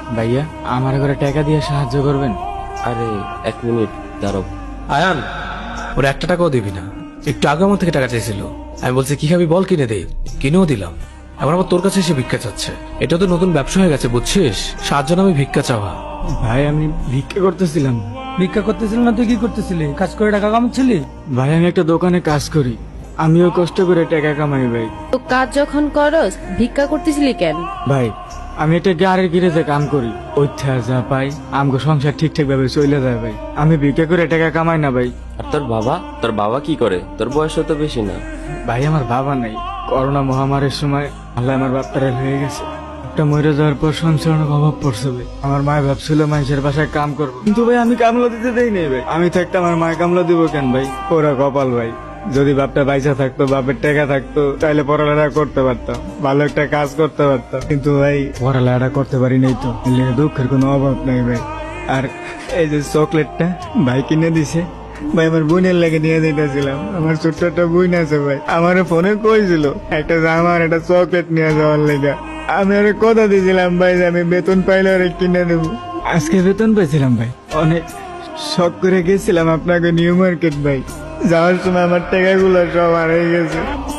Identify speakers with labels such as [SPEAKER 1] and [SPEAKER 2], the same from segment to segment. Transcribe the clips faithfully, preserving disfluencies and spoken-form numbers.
[SPEAKER 1] ভাইয়া আমার ঘরে টাকা দিয়ে সাহায্য করবেন?
[SPEAKER 2] আরে এক মিনিট দাঁড়াও।
[SPEAKER 3] আয়ান, ওর একটা টাকাও দিবি না। একটু আগে আমার থেকে টাকা চাইছিল, আমি বলছি কি খাবি বল, কিনে দে, কিনেও দিলাম। এবার আবার তোর কাছে এসে ভিক্ষা চাচ্ছে। এটা তো নতুন ব্যবসা হয়ে গেছে বুঝছিস, সাহায্য নামে ভিক্ষা চাওয়া।
[SPEAKER 1] ভাই আমি ভিক্ষা করতেছিলাম।
[SPEAKER 4] ভিক্ষা করতেছিল না তুই কি করতেছিলি? কাজ করে টাকা কামাচ্ছিলি?
[SPEAKER 1] ভাই আমি একটা দোকানে কাজ করি, আমিও কষ্ট করে টাকা কামাই ভাই।
[SPEAKER 5] তো কাজ যখন করস ভিক্ষা করতেছিলি কেন?
[SPEAKER 1] ভাই আমি একটা গাড়ির গিরেজে কাম করি, ওইথা যা পাই আমগো সংসার ঠিকঠাক ভাবে চলে যায় ভাই। আমি ভিক্ষা করে টাকা কামাই না ভাই।
[SPEAKER 2] আর তোর বাবা তোর বাবা কি করে? তোর বয়স তো বেশি না।
[SPEAKER 1] ভাই আমার বাবা নাই, করোনা মহামারীর সময় আল্লাহ আমার বাপটারে হয়ে গেছে। একটা মরে যাওয়ার পর সংসার অনেক অভাব পড়ছে ভাই। আমার মায় ভাবছিল মানুষের বাসায় কাম করবো, কিন্তু ভাই আমি কামলা দিতে দেই নাই ভাই। আমি থাকতে আমার মায় কামলা দিব কেন ভাই? ওরা কপাল ভাই। যদি বাপটা বাইসা থাকতো, বাপের টাকা থাকতো, তাহলে পড়ালেখা করতে পারতাম, ভালো একটা কাজ করতে পারতাম। কিন্তু ভাই পড়ালেখাটা করতে পারি নাই, তো এর লিগে দুঃখের কোনো অভাব নাই ভাই। আর এই যে চকলেটটা ভাই কিনে দিছে ভাই, আমার বোনের লাগে নিয়ে যেতেছিলাম। আমার ছোট্ট একটা বোন আছে ভাই, আমার ফোনে কইছিল একটা জামা আর একটা চকলেট নিয়ে যাওয়ার লেগে। আমি ওরে কথা দিয়েছিলাম ভাই যে আমি বেতন পাইলে ওরে কিনে দেবো। আজকে বেতন পেয়েছিলাম ভাই, অনেক শখ করে গেছিলাম আপনাকে নিউ মার্কেট ভাই। যাওয়ার সময় আমার টাকাগুলো সব হারিয়ে গেছে।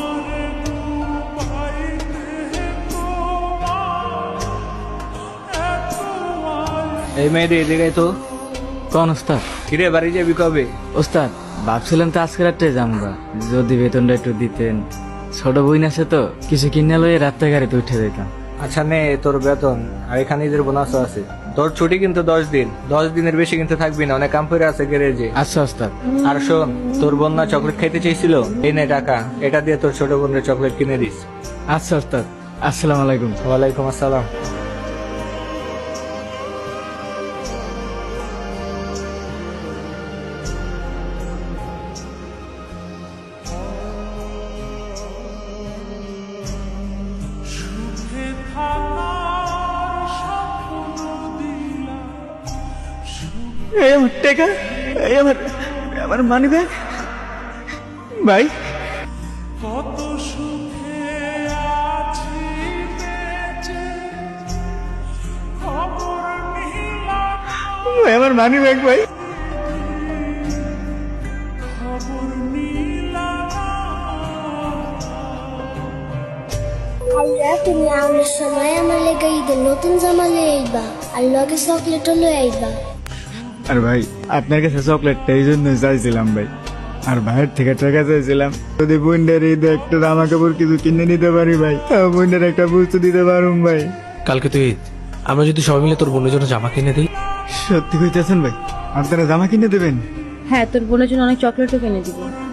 [SPEAKER 6] এই মেয়েদের এদিকে তো।
[SPEAKER 1] কোন ওস্তাদ?
[SPEAKER 6] কিরে বাড়ি যাবি কবে?
[SPEAKER 1] ওস্তাদ ভাবছিলাম তো আজকে রাত্রে যামগা, যদি বেতনটা একটু দিতেন। ছোট বোন আছে তো, কিছু কিনে লইয়ে রাত্রে গাড়িতে উঠে যেতাম।
[SPEAKER 6] আচ্ছা নে তোর বেতন, আর এখানে ঈদের বোনাসও আছে। তোর ছুটি কিন্তু দশ দিন, দশ দিনের বেশি কিন্তু থাকবি না, অনেক কাম করে আছে গ্যারেজে।
[SPEAKER 1] আচ্ছা ওস্তাদ।
[SPEAKER 6] আর শোন, তোর বোন না চকলেট খাইতে চাইছিল, এই নে টাকা, এটা দিয়ে তোর ছোট বোনের চকলেট কিনে দিস।
[SPEAKER 1] আচ্ছা ওস্তাদ, আসসালামু আলাইকুম।
[SPEAKER 6] ওয়ালাইকুম আসসালাম।
[SPEAKER 1] এই আমার টাকা, এই আমার আমার মানি ব্যাগ ভাই। ভাই, আমার মানি ব্যাগ ভাই।
[SPEAKER 7] আল্লাহ তুমি আমার সময় আমার লেগে ঈদের নতুন জামা লয়ে আইবা, আর লগে চকলেটও লয়ে আইবা।
[SPEAKER 1] আর ভাই আপনার কাছে চকলেটটা এই জন্য চাইছিলাম ভাই, আর ভাইয়ের থেকে টাকা চাইছিলাম যদি বোনদের ঈদে একটা জামা কাপড় কিছু কিনে নিতে পারি ভাই, বোনদের একটা বুঝতে দিতে পারুম ভাই।
[SPEAKER 3] কালকে তুই ঈদ, আমরা যদি সবাই মিলে তোর বোনের জন্য জামা কিনে দিই।
[SPEAKER 1] সত্যি কইতেছেন ভাই? আপনারা জামা কিনে দেবেন?
[SPEAKER 5] হ্যাঁ, তোর বোনের জন্য অনেক চকলেটও কিনে দিব।